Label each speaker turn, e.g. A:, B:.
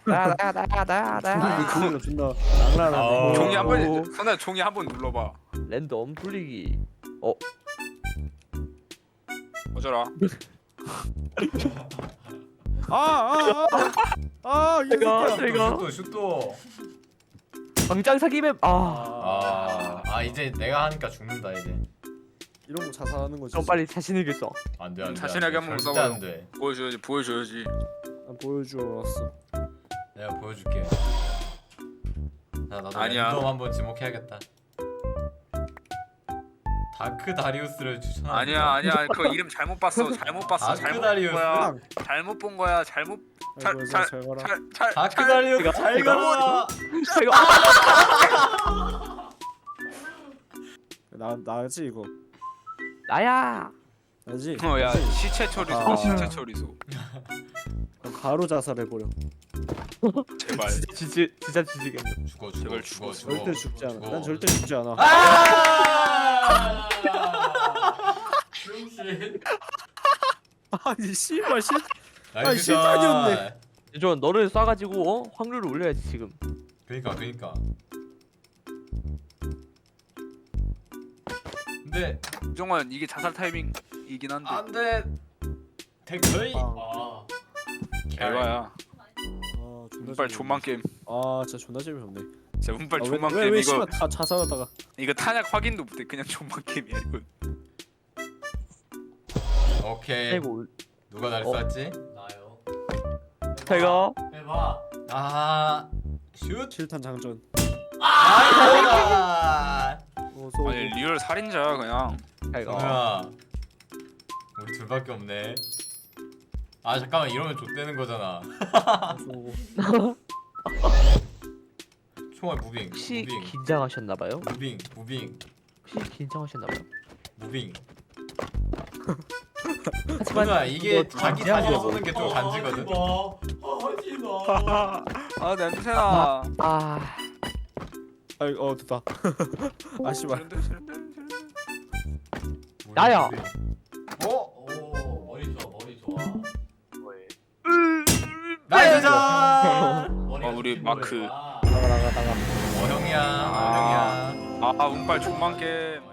A: 나나나나나
B: 그걸로 존나 장난하네.
C: 종이 한번 선아 종이 한번 눌러봐.
A: 랜덤 돌리기.
C: 어쩌라.
B: 이
A: 내가
B: 새끼야.
A: 내가
D: 슛도.
A: 광장 사기 맵.
D: 이제 내가 하니까 죽는다 이제.
B: 이런 거 자살하는 거지.
A: 좀 빨리 자신 있게 써.
D: 안돼 안돼.
C: 자신하게 한번
D: 절대
C: 써봐요.
D: 안돼.
C: 보여줘야지.
B: 난 보여주었어.
D: 내가 보여줄게. 자 나도
C: 아니야.
D: 랜덤 한번 지목해야겠다. 다크 다리우스를 추천합니다.
C: 아니야 그거 이름 잘못 봤어. 잘못 봤어.
D: 다크
C: 잘못 본
D: 다리우스?
C: 거야. 잘못 본 거야. 잘못
B: 아이고, 잘 가라.
D: 다크 다리우스 잘 가라.
A: 이거
B: 나지 이거.
A: 나야.
B: 나지.
C: 야 시체 처리소.
B: 아.
C: 시체 처리소.
B: 바로 자살해 버려.
C: 제발.
A: 진짜 지지겠네.
D: 죽어
C: 제발
D: 죽어
C: 죽어.
D: 죽어.
B: 절대 죽지 않아.
D: 죽어.
B: 난 절대 죽지 않아.
D: 병신.
B: 아니 씨발 씨.
D: 나이스
B: 실탄이었네.
D: 샷.
A: 저 너를 쏴가지고 확률을 올려야지 지금.
D: 그니까. 근데
C: 정원 이게 자살 타이밍이긴 한데.
D: 안돼. 댓글이.
B: 아.
C: 개봐야.
B: 존나
C: 운빨
B: 재미없네.
C: 존만 게임.
B: 진짜 존나 재미없네.
C: 진짜 운빨 존만
B: 왜
C: 게임 이거.
B: 씨발 다 자살하다가.
C: 이거 탄약 확인도 못해. 그냥 존만 게임이야 이거.
D: 오케이.
A: 아이고
D: 누가 날 쐈지? 나요.
A: 제가
D: 해봐. 슛.
B: 실탄 장전.
D: 아.
B: 어서.
C: 아니 리얼 살인자야 그냥.
A: 제가
D: 뭐야? 우리 둘밖에 없네. 잠깐만 이러면 좆되는 거잖아. 총알 무빙.
A: 혹시
D: 무빙.
A: 긴장하셨나봐요?
D: 무빙.
A: 혹시 긴장하셨나봐요?
D: 무빙.
A: 하지만
D: 누나 이게
A: 이거
D: 자기
A: 진지한
D: 사진
A: 거고.
D: 쏘는 게 좀 간지거든.
C: 아 냄새나.
B: 됐다. 아 씨발.
A: 나야.
D: 머리 좋아. 나이스 샷.
C: 우리 마크.
B: 나가.
D: 형이야.
C: 운빨 존만 게임.